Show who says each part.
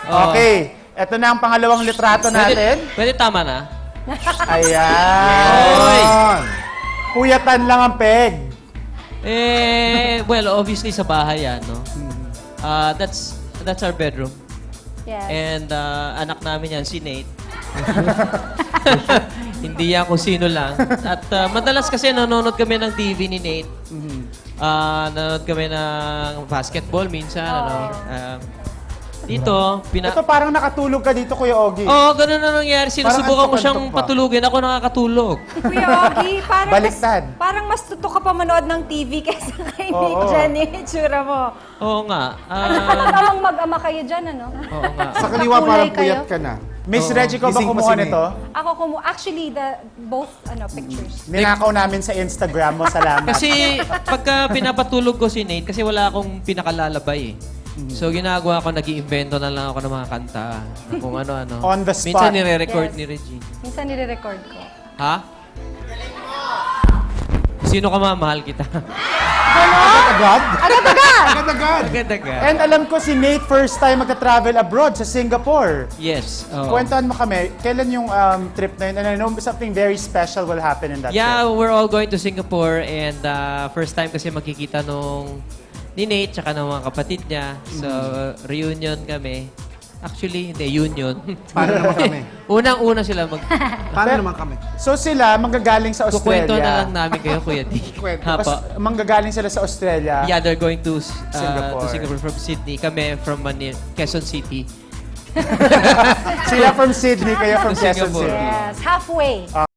Speaker 1: Okay. Ito na ang pangalawang litrato natin.
Speaker 2: Pwede tama na?
Speaker 1: Ayan. Puyatan lang ang peg.
Speaker 2: Well, obviously sa bahay yan, no? That's our bedroom.
Speaker 3: Yes.
Speaker 2: And anak namin yan, si Nate. Hindi yan kung sino lang. At madalas kasi nanonood kami ng TV ni Nate. Nanonood kami ng basketball minsan. Dito,
Speaker 1: Ito parang nakatulog ka dito, Kuya Ogie.
Speaker 2: Oo, ganun na nangyari. Sinusubukan ko
Speaker 1: antok-antok
Speaker 2: siyang
Speaker 1: pa.
Speaker 2: patulugin. Ako nakakatulog.
Speaker 3: Kuya Ogie,
Speaker 1: Baliktad.
Speaker 3: parang mas tutok ka pa manood ng TV kaysa kay Nick
Speaker 1: Oo.
Speaker 3: dyan eh. Itsura mo.
Speaker 2: Oo nga.
Speaker 3: Tamang mag-ama kayo dyan, ano?
Speaker 2: Oo nga.
Speaker 4: Sa kaliwa
Speaker 3: Kulay
Speaker 4: parang
Speaker 3: kayo?
Speaker 4: puyat ka na.
Speaker 1: Miss Reggie ko ba
Speaker 4: Gising pa
Speaker 1: kumuha
Speaker 4: si Nate.
Speaker 1: nito?
Speaker 3: Ako actually, both pictures.
Speaker 1: Ninakaw namin sa Instagram mo. Salamat.
Speaker 2: Kasi pagka pinapatulog ko si Nate, kasi wala akong pinakalalabay eh. So ginagawa ko, nag-iimbento na lang ako ng mga kanta. Na kung ano-ano.
Speaker 1: On the spot.
Speaker 2: Minsan nire-record
Speaker 3: Yes.
Speaker 2: ni Regine.
Speaker 3: Minsan nire-record ko.
Speaker 2: Ha? Sino ka mahal kita?
Speaker 4: Agad?
Speaker 3: Agad-agad!
Speaker 4: Agad-agad.
Speaker 2: Agad-agad.
Speaker 1: And alam ko si Nate first time magka-travel abroad sa Singapore.
Speaker 2: Yes. oo.
Speaker 1: Kwentuhan mo kami, kailan yung trip na yun? And I know something very special will happen in that
Speaker 2: Yeah,
Speaker 1: trip.
Speaker 2: we're all going to Singapore and first time kasi makikita nung ni Nate tsaka ng mga kapatid niya. So, reunion kami. Actually, hindi, union.
Speaker 4: Paano naman kami?
Speaker 2: Unang-una sila
Speaker 4: Paano naman kami?
Speaker 1: So sila, manggagaling sa Australia.
Speaker 2: Kukwento na lang namin kayo, Kuya D.
Speaker 4: Kwento.
Speaker 2: Hapa.
Speaker 1: Manggagaling sila sa Australia.
Speaker 2: Yeah, they're going to
Speaker 1: Singapore.
Speaker 2: Singapore from Sydney. Kami from Manila, Quezon City.
Speaker 1: Sila from Sydney, kayo from
Speaker 2: To
Speaker 1: Quezon
Speaker 2: Singapore.
Speaker 1: City.
Speaker 3: Yes, halfway.